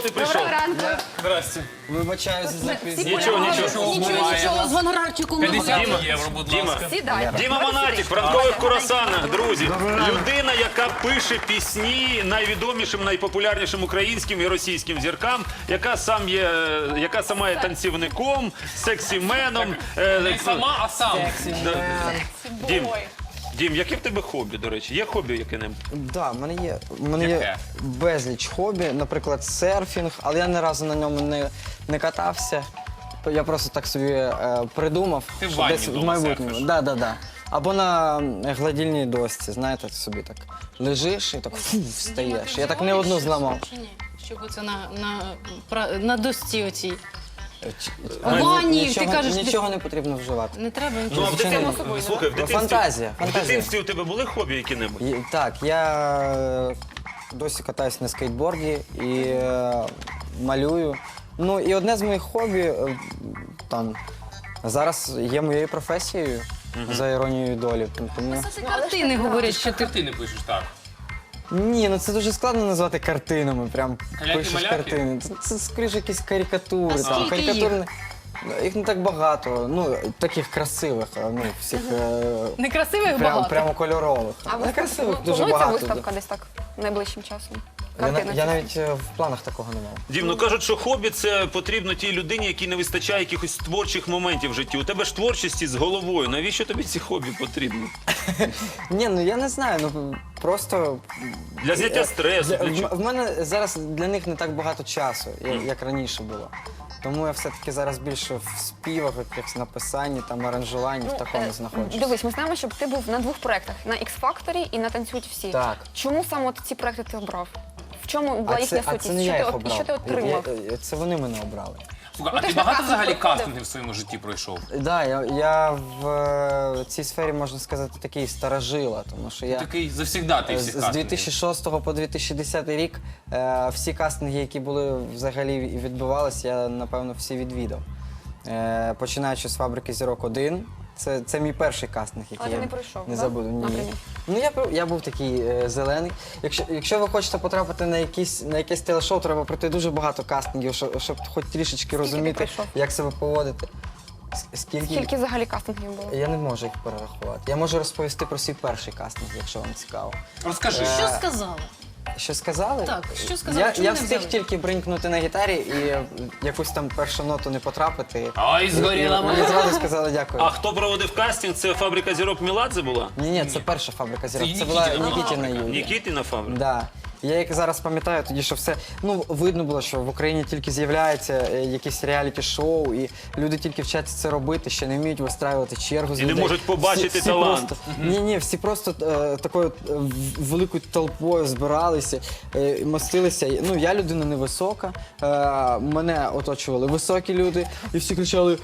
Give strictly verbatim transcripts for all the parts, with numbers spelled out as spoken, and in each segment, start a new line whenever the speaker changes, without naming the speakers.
ти прийшов?
Доброго ранку.
Здрасте.
Вибачаюсь за запізнення.
Нічого, нічого.
Нічого, нічого, з виноградчиком.
п'ятдесят
Діма,
євро, будь
Діма.
ласка.
Сідай.
Діма Монатік, в ранкових курасанах, друзі. Людина, яка пише пісні найвідомішим, найпопулярнішим українським і російським зіркам, яка сам є, яка сама є танцівником, сексіменом. е,
Не сама, а сам.
Дім, Дім, яке в тебе хобі, до речі? Є хобі яке-небудь?
Да, в мене є, в мене є
Яке?
безліч хобі, наприклад, серфінг, але я ні разу на ньому не, не катався. Я просто так собі е, придумав,
Ти в
що
ванні
десь в
вдома
майбутньому.
серфиш?
Да, да, да. Або на гладільній дошці, знаєте, собі так лежиш і так фу, встаєш. Я так не одну зламав.
Щоб це на, на, пра- на досці оцій.
Ч-
У ванні,
нічого,
ти кажеш,
нічого не потрібно вживати.
Не треба
Ну, а
нічого.
в
Звичайно,
дитинстві,
не.
слухай, в дитинстві,
Фантазія,
в
фантазія.
дитинстві у тебе були хобі які-небудь?
І- Так, я е, досі катаюсь на скейтборді і е, малюю. Ну і одне з моїх хобі е, там зараз є моєю професією за іронією долі. Тому...
Це картини говорять, що ти...
Ти не пишеш так.
Ні, ну це дуже складно назвати картинами. Прям пишеш
Каляки-маляки?
картини. Це, це скоріше якісь карикатури.
А
Там,
скільки
карикатурні. Їх не так багато, ну таких красивих, ну всіх е,
Некрасивих
прям,
багато.
прямо кольорових.
А
Не красивих дуже
планується
багато.
виставка десь так найближчим часом?
Я, на-
Картина
я
чи-
навіть е, в планах такого не мав.
Дім, ну кажуть, що хобі це потрібно тій людині, якій не вистачає якихось творчих моментів в житті. У тебе ж творчості з головою. Навіщо тобі ці хобі потрібні?
Ні, ну я не знаю, ну просто
Для зняття стресу.
Для-
Для чого?
в, в мене зараз для них не так багато часу, я- як раніше було. Тому я все-таки зараз більше в співах, якихось написанні, там аранжуванні, в такому
Е,
знаходжусь.
Дивись, ми знаємо, що ти був на двох проєктах, на X-Factor і на «Танцюють всі».
Так.
Чому саме от ці проєкти ти обрав? В чому була
А
їхня
це, а
сутність?
це не
що,
я
ти,
їх
от- і
обрав.
що ти отримав?
Я- я- Це вони мене обрали.
Слухай,
Ну,
а
ти
ти
ж на
багато
кастинг
взагалі
приходив.
кастингів в своєму житті пройшов?
Так, да, я, я в е, цій сфері, можна сказати, такий старожила, тому що я
Такий завсігдатий всіх
з
кастингів.
дві тисячі шостого по дві тисячі десятий рік е, всі кастинги, які були взагалі і відбувалися, я, напевно, всі відвідав. Е, починаючи з «Фабрики зірок один». Це, це мій перший кастинг, який
Але ти
я
не пройшов,
не
да?
забуду. Ні.
Напрямі?
Ну, я, був- я був такий е, зелений. Якщо, якщо ви хочете потрапити на якісь, на якесь телешоу, треба пройти дуже багато кастингів, щоб, щоб хоч трішечки розуміти,
пройшов?
як себе поводити. С- Скільки?
Скільки взагалі кастингів було?
Я не можу їх перерахувати. Я можу розповісти про свій перший кастинг, якщо вам цікаво.
Розкажи.
Що сказали?
Що сказали?
Так, що сказали?
Я,
Чому
я
не
встиг
взяли?
тільки бринкнути на гітарі і якусь там першу ноту не потрапити.
Ой, згоріла
І Мені
моя.
зразу сказали дякую.
А хто проводив кастинг? Це «Фабрика зірок» Міладзе була?
Ні, ні, це перша «Фабрика зірок».
Це
Це була
Нікітіна
Нікітіна Юлія.
Нікітіна фабрика?
Да. Я як зараз пам'ятаю, тоді що все ну видно було, що в Україні тільки з'являються е, якісь реаліті-шоу, і люди тільки вчаться це робити, ще не вміють вистраювати чергу з
І не
людей.
можуть побачити
Всі- всі
талант.
Просто, ні, ні, всі просто е, такою е, в- великою толпою збиралися, е, мостилися. Ну я людина невисока, е, мене оточували високі люди, і всі кричали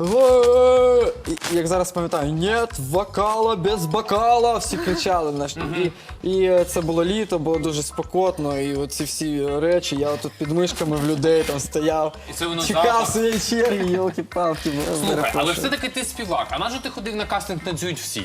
«Ге!» І як зараз пам'ятаю, «Нет вокала без бокала!» всі кричали на що. І, і це було літо, було дуже спокотно, і оці всі речі, я тут під мишками в людей там стояв,
І це воно
чекав
запах.
своєї черги, йолки-палки.
Слухай, але все-таки ти співак. А на що ти ходив на кастинг «Танцюють всі»?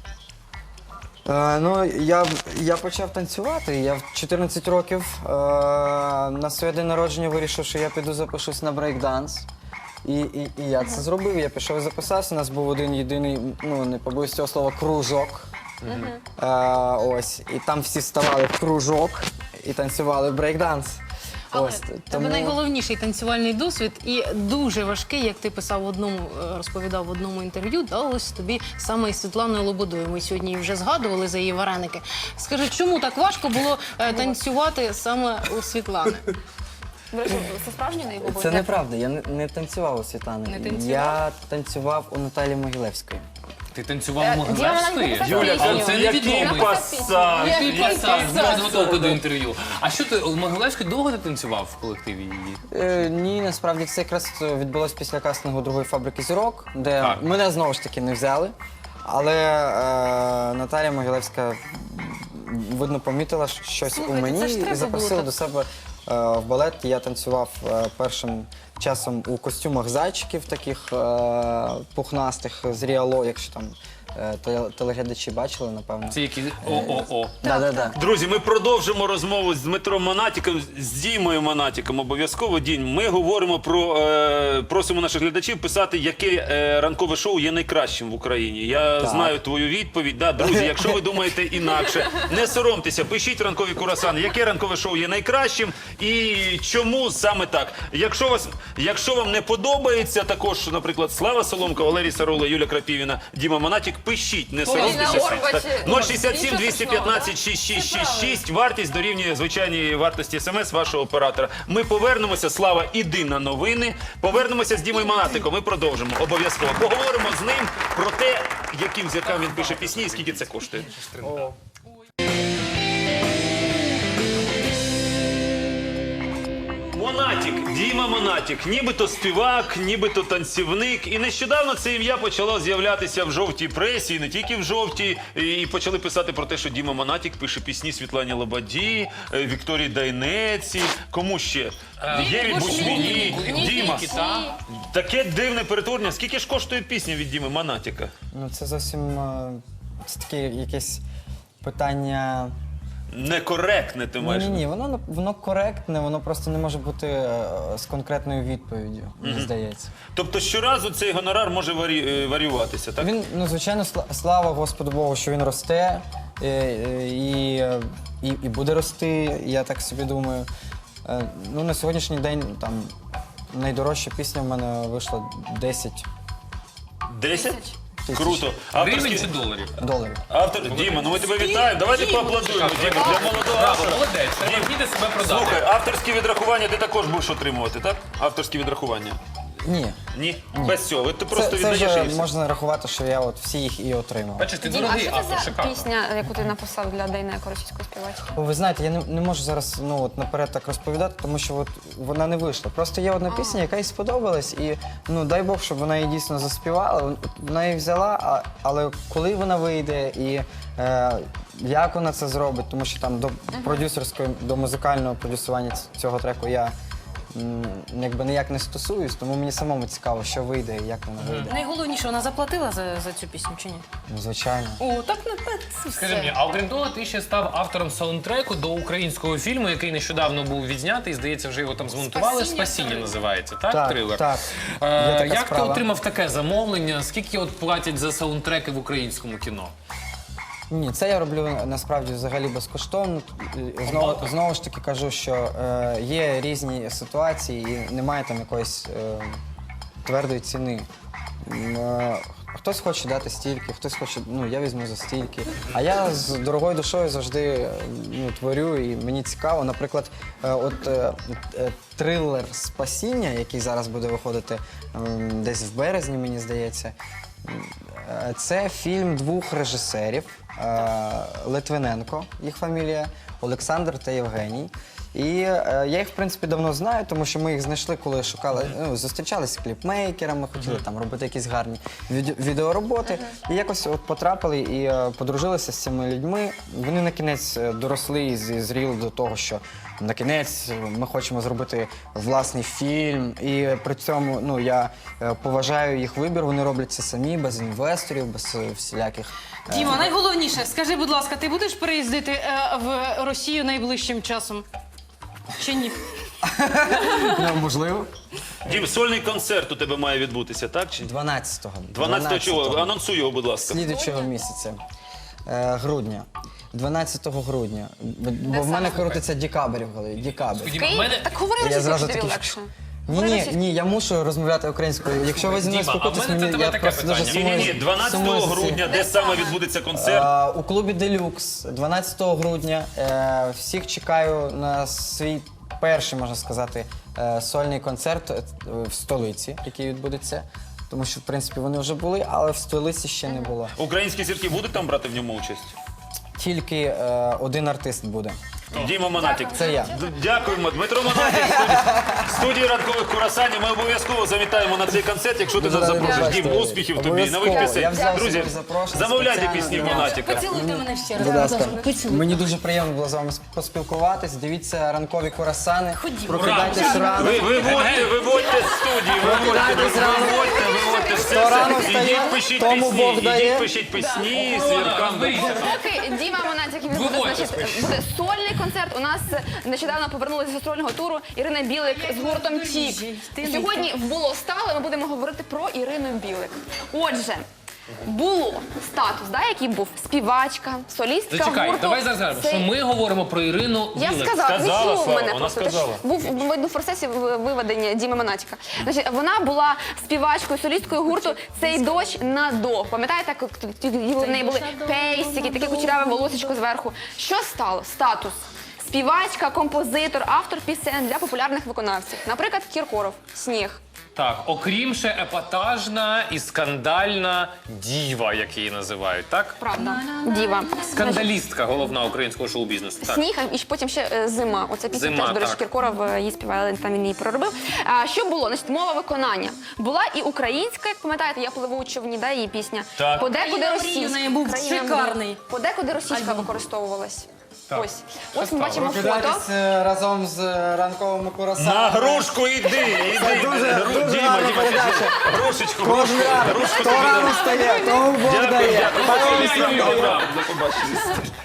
Е, ну, я, я почав танцювати. Я в чотирнадцять років е, на своє день народження вирішив, що я піду запишусь на брейк-данс. І, і, і я це зробив. Я пішов і записався. У нас був один єдиний, ну не побоюсь цього слова, кружок. Е, ось. І там всі ставали в кружок і танцювали брейк-данс.
Але
Ось,
тебе
тому-
найголовніший танцювальний досвід і дуже важкий, як ти писав в одному, е, розповідав в одному інтерв'ю, далось тобі саме із Світланою Лободою. Ми сьогодні її вже згадували за її вареники. Скажи, чому так важко було е, танцювати саме у Світлани?
До речі, це справжній неї був?
Це неправда, я не, не танцював у Світлани.
Не танцював?
Я танцював у Наталі Могилевської.
Ти танцював
Е,
у
Діана
Могилевської?
навіть
Юля,
написала
це
пісню.
який
невідомий.
пасаж?
Який
Який
пасаж,
пасаж?
підготовка до інтерв'ю. А що ти, у Могилевської довго ти танцював в колективі її?
Е, ні, насправді це якраз відбулось після кастингу другої «Фабрики зірок», де
Так.
мене знову ж таки не взяли. Але е, Наталія Могилевська, видно, помітила щось
Слухайте,
у мені
це ж треба
і запросила
було
до себе е, в балет. Я танцював е, першим часом у костюмах зайчиків таких е, пухнастих з Ріало, якщо там е, теле- телеглядачі бачили, напевно.
Це які о-о-о.
Да, да, да.
Друзі, ми продовжимо розмову з Дмитром Монатіком, з Дімою Монатіком. Обов'язково, Дім. Ми говоримо про, е, просимо наших глядачів писати, яке е, ранкове шоу є найкращим в Україні. Я
Так.
знаю твою відповідь. Да, друзі, якщо ви думаєте інакше, не соромтеся, пишіть ранкові курасани, яке ранкове шоу є найкращим і чому саме так. Якщо, вас, якщо вам не подобається також, наприклад, Слава Соломка, Валерій Сарула, Юля Крапівіна, Діма Монатік, пишіть, не соромтеся.
Ірина Орбач.
нуль шістдесят сім двісті п'ятнадцять шість шість шість шість. Вартість дорівнює звичайній вартості смс вашого оператора. Ми повернемося. Слава, іди на новини. Повернемося з Дімою Монатиком. Ми продовжимо. Обов'язково. Поговоримо з ним про те, яким зіркам він пише пісні і скільки це коштує. Монатік, Діма Монатік, нібито співак, нібито танцівник. І нещодавно це ім'я почало з'являтися в жовтій пресі, і не тільки в жовтій. І почали писати про те, що Діма Монатік пише пісні Світлані Лободі, е, Вікторії Дайнеці. Кому ще? Єві Бушміні, Діма. Таке дивне перетворення. Скільки ж коштує пісня від Діми Монатіка?
Ну це зовсім е, це таке якесь питання.
Некоректне, ти
Ні,
маєш.
ні, ні, воно воно коректне, воно просто не може бути е, з конкретною відповіддю, мені здається.
Тобто щоразу цей гонорар може варі... е, варіюватися, так?
Він, ну звичайно, сла- слава Господу Богу, що він росте е, е, і, е, і, і буде рости, я так собі думаю. Е, Ну на сьогоднішній день там найдорожча пісня в мене вийшла десять
Десять?
тисяч
Круто.
Гривень
Авторські...
чи доларів?
доларів.
Автор... Діма, ну ми тебе вітаємо. Давайте поаплодуємо, Діма, для молодого
Браво,
автора.
молодець. Треба вміти себе продати.
Слухай, авторські відрахування ти також будеш отримувати, так? Авторські відрахування.
Ні.
Ні? Без цього. Ти просто
Це, це
віддаєш
вже
і все.
можна рахувати, що я от всі їх і отримав.
Бачиш, ти
Дім, а
дорогий
що
автор,
це за
шикарно.
пісня, яку ти написав для Дейнеко, російської співачки?
О, ви знаєте, я не, не можу зараз ну, от, наперед так розповідати, тому що от, вона не вийшла. Просто є одна пісня, яка їй сподобалась, і ну, дай Бог, щоб вона її дійсно заспівала. Вона її взяла, а, але коли вона вийде і е, як вона це зробить, тому що там до продюсерської, до музикального продюсування ц- цього треку я м, якби ніяк не стосуюсь, тому мені самому цікаво, що вийде і як вона вийде.
Найголовніше, вона заплатила за, за цю пісню чи ні?
Ну, звичайно.
О, так не це
Скажи мені, а окрім того, ти ще став автором саундтреку до українського фільму, який нещодавно був відзнятий, і, здається, вже його там змонтували. «Спасіння» називається, так?
Так,
Трилер?
так.
Е,
Є така
як
справа.
ти отримав таке замовлення? Скільки от платять за саундтреки в українському кіно?
Ні, це я роблю насправді взагалі безкоштовно. І Знову, знову ж таки кажу, що е, є різні ситуації і немає там якоїсь е, твердої ціни. М, е, Хтось хоче дати стільки, хтось хоче, ну я візьму за стільки. А я з дорогою душою завжди е, ну, творю, і мені цікаво. Наприклад, е, от е, е, трилер «Спасіння», який зараз буде виходити ем, десь в березні, мені здається. Е, Це фільм двох режисерів е, Литвиненко, їх фамілія, Олександр та Євгеній. І е, я їх, в принципі, давно знаю, тому що ми їх знайшли, коли шукали, ну, зустрічалися з кліпмейкерами, хотіли там робити якісь гарні від- відеороботи. І якось от потрапили і е, подружилися з цими людьми. Вони на кінець е, доросли і з- зріли до того, що на кінець ми хочемо зробити власний фільм. І при цьому ну, я е, поважаю їх вибір, вони роблять це самі, без інвесторів, без е, всіляких. е,
Діма, найголовніше, скажи, будь ласка, ти будеш переїздити е, в Росію найближчим часом? Чи ні?
Ну, можливо.
Дім, сольний концерт у тебе має відбутися, так? Чи?
дванадцятого.
дванадцятого чого? Анонсуй його, будь ласка.
Слідуючого місяця. Е, грудня. дванадцятого грудня. Бо в мене крутиться декабрь в голові. Декабрь.
Діма,
Київ?
в мене...
Так говори
Я
російською,
зразу
тобі
такий-
легше.
Ні,
Говори
ні,
російською.
ні, я мушу розмовляти українською. Якщо ви зі мною
Діма, а в
спілкуєтесь,
мене до
мені
тебе
я
таке
просто дуже
питання.
сумую.
Ні, ні, ні, дванадцятого
сумую за цим.
грудня, де саме відбудеться концерт?
Е, у клубі Делюкс дванадцятого грудня. Е, всіх чекаю на свій перший, можна сказати, е, сольний концерт е, в столиці, який відбудеться. Тому що, в принципі, вони вже були, але в столиці ще не було.
Українські зірки будуть там брати в ньому участь?
Тільки е, один артист буде.
Діма Монатік.
Це я.
Д- Дякуємо. Дмитро Монатік в студії, в студії ранкових курасанів. Ми обов'язково завітаємо на цей концерт, якщо ти
Дуже
нас
радий
запрошиш.
бачити.
Дім, успіхів тобі,
Обов'язково.
нових
Я
пісень.
взяв
Друзі,
собі запрошення
замовляйте
спеціально
пісні
для
Монатіка.
Поцілуйте мене ще раз.
Будь ласка.
Поцілуйте.
Мені дуже приємно було з вами поспілкуватись. Дивіться ранкові курасани.
Ходімо.
Прокидайтесь рано.
Ви, виводьте, виводьте з студії, виводьте, виводьте, виводьте все.
Хто рано
все.
встає,
Ідіть пишіть
тому
пісні,
Бог дає.
ідіть пишіть пісні, зіркам.
Поки Діма Монатік він буде,
Виводьте
значить, буде сольний концерт. У нас нещодавно повернулася з гастрольного туру Ірина Білик з гуртом Тік. Сьогодні в було стало. Ми будемо говорити про Ірину Білик. Отже. Було статус, да, який був співачка, солістка
Зачекай,
гурту.
давай зараз скажемо,
«Цей».
що ми говоримо про Ірину
Я
Білик.
сказала,
Сказала,
не чув
Слава,
мене
вона
просто.
сказала.
Ти ж Був видно в процесі в- виведення Діми Монатіка. Значить, вона була співачкою, солісткою гурту «Цей дощ на до». Пам'ятаєте, як тоді в неї були пейсики, таке кучеряве волосечко зверху. Що стало? Статус. Співачка, композитор, автор пісень для популярних виконавців. Наприклад, Кіркоров «Сніг».
Так, окрім ще епатажна і скандальна діва, як її називають, так?
Правда. Діва.
Скандалістка головна українського шоу-бізнесу. Так.
Сніг, і потім ще е, зима. Оця пісня
Зима,
теж, до речі,
так.
Кіркоров е, її співає, але там він її проробив. А, що було? Значить, мова виконання. Була і українська, як пам'ятаєте, я пливу у човні, да, її пісня.
Так.
Подекуди
Країна мрій
російська.
в неї був
Країна мрій.
шикарний.
Подекуди російська використовувалась. Ось. Ось ми
стало?
бачимо фото.
Прокидайтесь е, разом з е, ранковими курасанами.
На грушку йди, іди.
дуже-
Гру-
дуже
Діма,
гарна
Діма,
передача.
грушечку,
Кожен
грушку,
ранок.
грушку
Хто
тобі
рано
дам.
встає, тому Бог
Дякую,
дає.
дякую.
Хай вам
Ой,
всім
ой,
дає.
ой.
До побачення.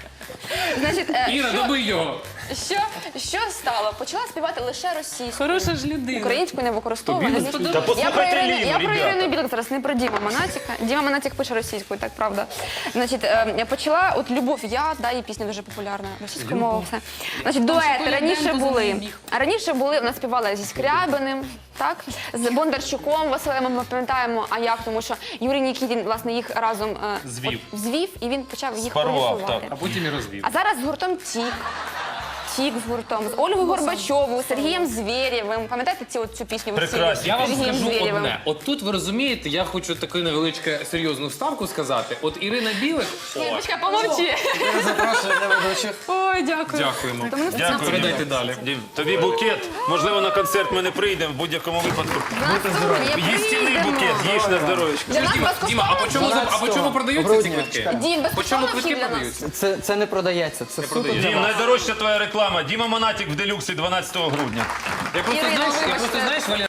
Значить, е,
Іра,
що,
добий його.
що, що стало? Почала співати лише російською.
Хороша ж людина.
Українську не використовувала.
Тобі не сподобалось?
Та
Я про
послухайте
Ірину,
Ліну,
я про
ребята.
Ірину Білик зараз, не про Діма Монатіка. Діма Монатік пише російською, так правда. Значить, е, я почала от Любов я, да, її пісня дуже популярна, російською мовою все. Значить, дуети
Коля
раніше
Денко за
були.
нею біг.
А раніше були, вона співала зі Скрябиним, так, з Бондарчуком Василем, ми пам'ятаємо, а як, тому що Юрій Нікітін, власне, їх разом е,
Звів.
от звів, і він почав їх
Спарував,
продюсувати.
А потім і розвів.
А зараз з гуртом Тік. Тік з гуртом, з Ольгою Горбачовою, Сергієм Звєрєвим. Пам'ятаєте ці, от, цю пісню? ви всі?
Прекрасно.
Я вам
Сергієм
скажу
Звєрєвим.
одне. От тут ви розумієте, я хочу таку невеличку серйозну вставку сказати. От Ірина Білик. О,
Почекай, помовчи.
Запрошую для ведучих.
Ой, дякую.
дякуємо.
Дякую.
Передайте далі.
Дім, тобі букет. Можливо, на концерт ми не прийдемо в будь-якому випадку. Їстівний букет, їж на здоров'ячко.
Для нас
Діма, Діма, а по чому, а по чому продаються ці
Грудня,
квитки?
чекай.
Дім,
По чому
безкоштовно
квитки
вхід для нас.
продаються?
Це, це не продається, це суто для
Дім,
вас.
найдорожча твоя реклама. Діма Монатік в делюксі дванадцятого грудня.
Я просто
Ірина,
знаєш, я
вибачте.
просто знаєш, Валя,